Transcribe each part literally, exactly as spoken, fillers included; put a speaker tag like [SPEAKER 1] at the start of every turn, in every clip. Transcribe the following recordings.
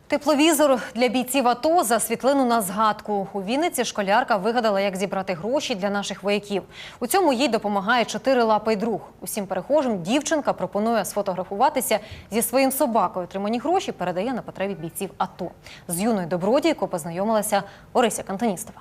[SPEAKER 1] Тепловізор для бійців АТО за світлину на згадку. У Вінниці школярка вигадала, як зібрати гроші для наших вояків. У цьому їй допомагає чотирилапий друг. Усім перехожим дівчинка пропонує сфотографуватися зі своїм собакою. Отримані гроші передає на потреби бійців АТО. З юною добродійкою познайомилася Орися Кантоністова.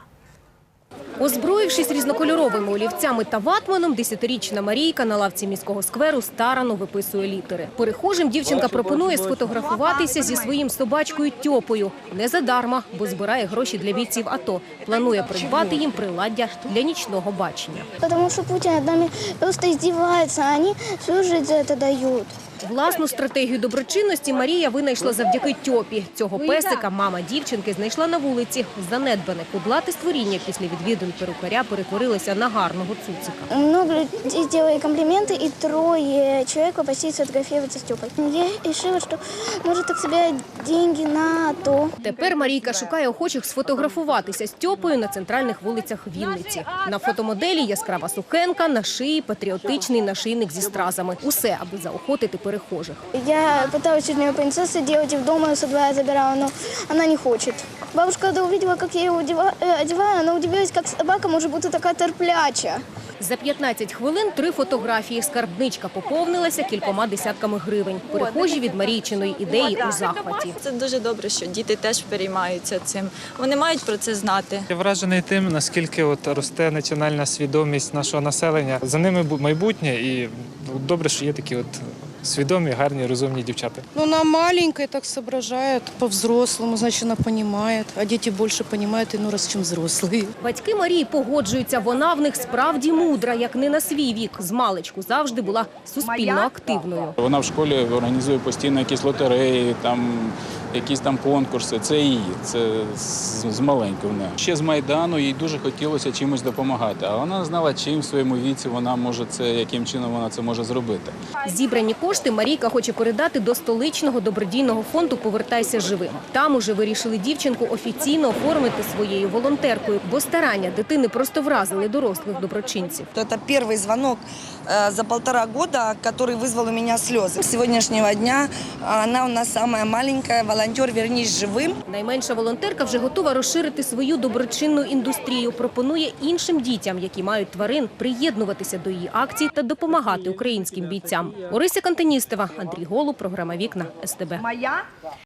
[SPEAKER 2] Озброївшись різнокольоровими олівцями та ватманом, десятирічна Марійка на лавці міського скверу старанно виписує літери. Перехожим дівчинка пропонує сфотографуватися зі своїм собачкою Тьопою. Не задарма, бо збирає гроші для бійців АТО. Планує придбати їм приладдя для нічного бачення.
[SPEAKER 3] Тому що Путін над нами просто здівається, а вони всю життя за це дають.
[SPEAKER 2] Власну стратегію доброчинності Марія винайшла завдяки Тьопі. Цього песика мама дівчинки знайшла на вулиці. Занедбане кудлате створіння після відвідин перукаря перетворилося на гарного цуцика.
[SPEAKER 3] Много людей робили компліменти, і троє чоловік попросили сфотографуватися з Тьопою. Я вирішила, що може так собі гроші на АТО.
[SPEAKER 2] Тепер Марійка шукає охочих сфотографуватися з Тьопою на центральних вулицях Вінниці. На фотомоделі яскрава сукенка, на шиї патріотичний нашийник зі стразами. Усе, аби заохотити перехожих.
[SPEAKER 3] Я пыталась чуть не принцессу делать и в дома со двора забирала, но она не хочет. Бабушка, когда увидела, как я ее одеваю, она удивилась, как собака может бути така терпляча.
[SPEAKER 2] За п'ятнадцять хвилин три фотографії. Скарбничка поповнилася кількома десятками гривень. Перехожі від Марійчиної ідеї у захваті.
[SPEAKER 4] Це дуже добре, що діти теж переймаються цим. Вони мають про це знати.
[SPEAKER 5] Я вражений тим, наскільки от росте національна свідомість нашого населення. За ними майбутнє, і добре, що є такі от свідомі, гарні, розумні дівчата.
[SPEAKER 6] Ну, она маленькая, так соображает по-взрослому, значит, она понимает. А дети больше понимают иной раз, чем взрослые.
[SPEAKER 2] Батьки Марії погоджуються, вона в них справді мудра, як не на свій вік. Змалечку завжди була суспільно активною.
[SPEAKER 7] Вона в школі організує постійно якісь лотереї, там, якісь там конкурси. Це її, це з маленького. Ще з Майдану їй дуже хотілося чимось допомагати. А вона знала, чим в своєму віці вона може це, яким чином вона це може зробити.
[SPEAKER 2] Зібрані кошти Марійка хоче передати до столичного добродійного фонду «Повертайся живим». Там уже вирішили дівчинку офіційно оформити своєю волонтеркою, бо старання дитини просто вразили дорослих доброчинців.
[SPEAKER 8] Это первый звонок за полтора года, который вызвал у меня слезы. С сегодняшнего дня она у нас самая маленькая, волонтер «Вернись живым».
[SPEAKER 2] Найменша волонтерка вже готова розширити свою доброчинну індустрію. Пропонує іншим дітям, які мають тварин, приєднуватися до її акцій та допомагати українським бійцям. Орися Кантоністова, Андрій Голуб, програма «Вікна», ес те бе.